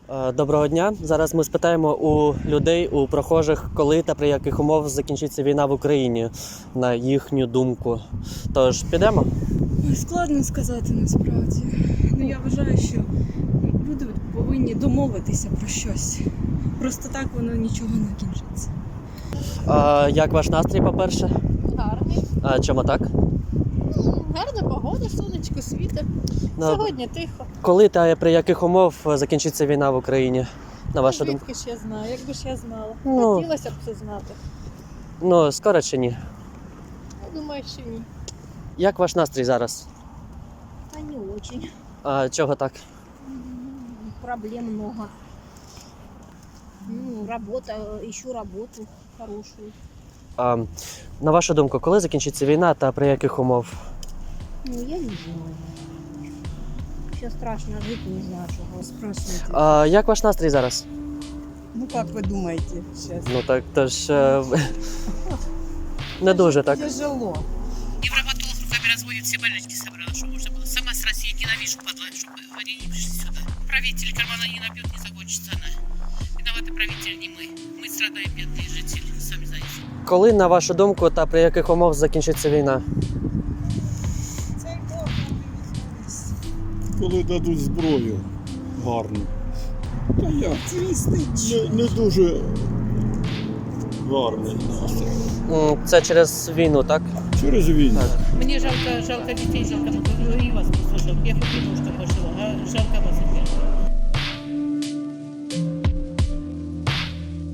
Доброго дня. Зараз ми спитаємо у людей, у прохожих, коли та при яких умовах закінчиться війна в Україні, на їхню думку. Тож, підемо? Ой, складно сказати насправді. Я вважаю, що люди повинні домовитися про щось. Просто так воно нічого не кінчиться. Як ваш настрій, по-перше? Гарний. Чому так? Гарна погода, сонечко світить. Сьогодні тихо. Коли та при яких умов закінчиться війна в Україні, на вашу думку? Звідки ж я знаю, якби ж я знала. Ну. Хотілося б це знати. Скоро чи ні? Я думаю, що ні. Як ваш настрій зараз? А не очень. Чого так? Проблем много. Работа, ищу работу хорошую. На вашу думку, коли закінчиться війна та при яких умов? Я не знаю. Ще страшно жити, не знаю, чого спрашиваєте. Як ваш настрій зараз? Как вы думаете сейчас? Тож не дуже, так? Тяжело. Невропатолог руками разводит, все больнички собрала, что можно было. Сама с России ненавижу, падла, чтобы они не пришли сюда. Правитель кармана не набьет, не закончится она. Виноваты правитель, не мы. Мы страдаем, бедные жители, сами знаете. Коли, на вашу думку, та при яких умовах закінчиться війна? Коли дадуть зброю гарну. Та як? Не дуже гарний настрій. Це через війну, так? Через війну. Мне жалко детей, жалко, и вас просто жалко. Я хоть немножко пожила, а жалко вас опять.